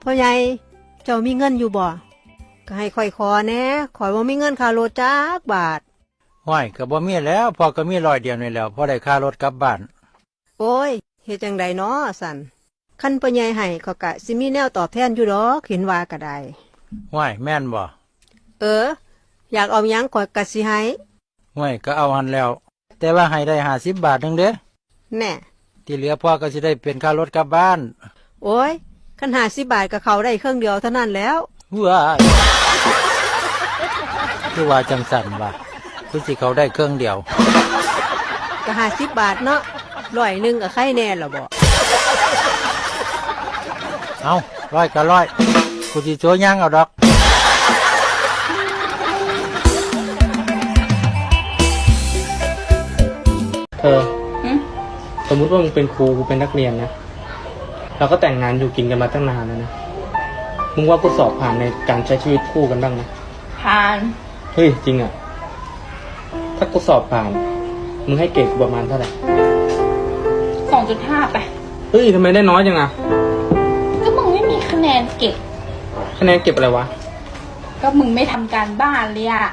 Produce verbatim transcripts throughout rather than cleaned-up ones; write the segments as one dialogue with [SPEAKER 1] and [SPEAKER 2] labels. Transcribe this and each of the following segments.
[SPEAKER 1] พ่อใหญ่เจ้ามีเงินอยู่บ่ก็ให้ค่อยขอแหน่ข่อยบ่มีเงินค่ารถจักบาท
[SPEAKER 2] ห้อยก็บ่มีแล้วพอก็มีร้อยเดียวนี่แล้วพอได้ค่ารถกลับบ้าน
[SPEAKER 1] โอ้ยเฮ็ดจังไดน้อสั่นคันพ่อใหญ่ให้เขาก็สิมีแนวตอบแทนอยู่ดอกเห็นว่าก็ได้
[SPEAKER 2] ห้อยแม่นบ่
[SPEAKER 1] เอออยากเอาหยังข่อยก็สิให้
[SPEAKER 2] ห้อยก็เอาหันแล้วแต่ว่าให้ได้ห้าสิบบาทนึงเด้
[SPEAKER 1] แน่
[SPEAKER 2] ที่เหลือพ่อก็สิได้เป็นค่ารถกลับบ้าน
[SPEAKER 1] โอ้ยคันห้าสิบบาทก็เข้าได้เครื่องเดียวเท่านั้นแล้ว
[SPEAKER 2] ว้ายคือว่าจังสั่นว่าคือสิเขาได้เครื่องเดียว
[SPEAKER 1] ก็ห้าสิบบาทเนาะร้อยหนึงก็ไข่แน่ล่ะบ่
[SPEAKER 2] เอาร้อยก็ร้อยกูสิโชว์ย่างเอาดอก
[SPEAKER 3] เธอสมมุติว่ามึงเป็นครูกูเป็นนักเรียนนะเราก็แต่งงานอยู่กินกันมาตั้งนานแล้วนะมึงว่ากูสอบผ่านในการใช้ชีวิตคู่กันบ้างไหม
[SPEAKER 4] ผ่าน
[SPEAKER 3] เฮ้ยจริงอ่ะถ้ากูสอบผ่านมึงให้เกรดกูประมาณเท่าไหร่
[SPEAKER 4] สองจุดห้าไป
[SPEAKER 3] เฮ้ยทำไมได้น้อยจังอ่ะ
[SPEAKER 4] ก็มึงไม่มีคะแนนเก็บ
[SPEAKER 3] คะแนนเก็บอะไรวะ
[SPEAKER 4] ก็มึงไม่ทำการบ้านเลยอ่ะ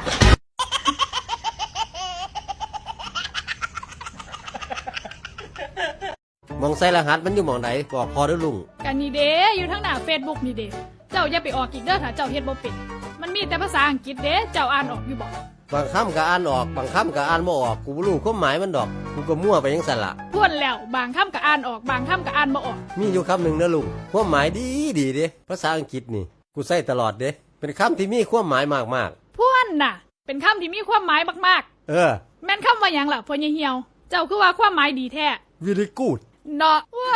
[SPEAKER 5] มองใส่รหัสมันอยู่มองไหนบอกพอได้ลุง
[SPEAKER 6] กันนี่เด้อยู่ทั้งหน้าเฟซบุ๊กนี่เด้เจ้าอย่าไปออกอีกเด้อถ้าเจ้าเฮ็ดบ่เป็นมันมีแต่ภาษาอังกฤษเด้เจ้าอ่านออกอยู่บ่
[SPEAKER 5] บางคำก็อ่านออกบางคำก็อ่านไม่ออกกูบ่รู้ความหมายมันดอกกูก็มั่วไปยังสั่นละ
[SPEAKER 6] ทวนแล้วบางคำก็อ่านออกบางคำก็อ่านบ่ออก
[SPEAKER 5] มีอยู่คำหนึ่งนะลุงความหมายดีดีเด้ภาษาอังกฤษนี่กูใส่ตลอดเด้เป็นคำที่มีความหมายมาก
[SPEAKER 6] ๆพวนน่ะเป็นคำที่มีความหมายมาก
[SPEAKER 5] ๆเออ
[SPEAKER 6] แม่นคำว่าหยังล่ะพ่อเหี่ยวเจ้าคือว่าความหมายดีแท้
[SPEAKER 5] very good
[SPEAKER 6] เนาะว้า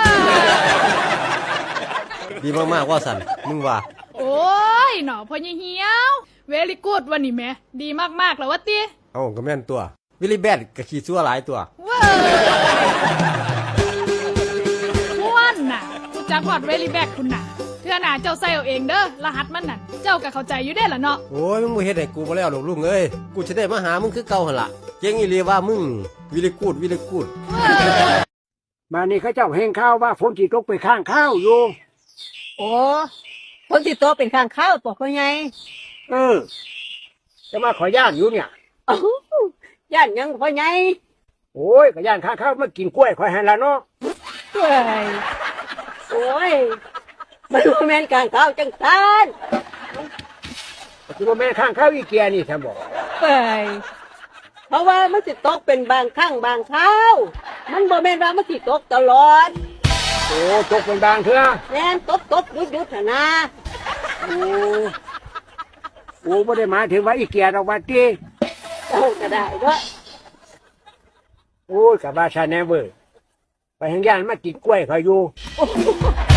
[SPEAKER 5] ดีมากๆว่าสันมึงว่า
[SPEAKER 6] โอ้ยเนาะพ่อเหี่ยวเวลี่กูดวันนี้แม่ดีมากๆแล้ววะติ
[SPEAKER 5] เอ้าก็แม่นตัววิลลี่แบดก็ขี้ชั่วหลายตัว
[SPEAKER 6] ว้าม่วนน่ะกูจักฮอดเวลี่แบดคุณน่ะเทื่อหน้าเจ้าใส่เอาเองเด้อรหัสมันนั่นเจ้าก็เข้าใจอยู่ได้ล่ะเนาะ
[SPEAKER 5] โอ้ยมึงบ่เฮ็ดให้กูบ่แล้วหรอกลุงเอ้ยกูสิได้มาหามึงคือเก่าหั่นล่ะเก่งอีหลีว่ามึงวิลลี่กูดวิลลี่กูด
[SPEAKER 7] มานี่เขาเจ้าแห่งข้าวว่าฝนสิตกไปข้างข้าวอยู่
[SPEAKER 1] โอ้ฝนสิตกเป็นข้างข้าวตัวพ่อใหญ่
[SPEAKER 7] เออจะมาขอย่านอยู่เนี่ย
[SPEAKER 1] อ้าวย่านยังพ่อใหญ่
[SPEAKER 7] โอ้ยก็ย่านข้างข้าวมากินกล้วยข่อยให้ละเนาะ
[SPEAKER 1] เอ้ยโอ้ยมันบ่แม่นข้างข้าวจังซั่น
[SPEAKER 7] สิบ่แม่นข้างข้าวอีเกียนี่ท่านบอก
[SPEAKER 1] เอ้ยเพราะว่ามันสิตกเป็นบางครั้งบางคราวมันบ่แม่นว่ามันสิตกตลอด
[SPEAKER 7] โอ้ตกเป็นบางเทื่อ
[SPEAKER 1] แม่นตกตกหยุดหยุดหั่นนะ
[SPEAKER 7] โอ้โอ้บ่ได้หมายถึงว่าอีเกียดอกว่าติ
[SPEAKER 1] เอ้าก็ได้เด้อ
[SPEAKER 7] โอ้ยก็ว่าชาแนเวอร์ไปแห่งย่านมากินกล้วยเขาอยู่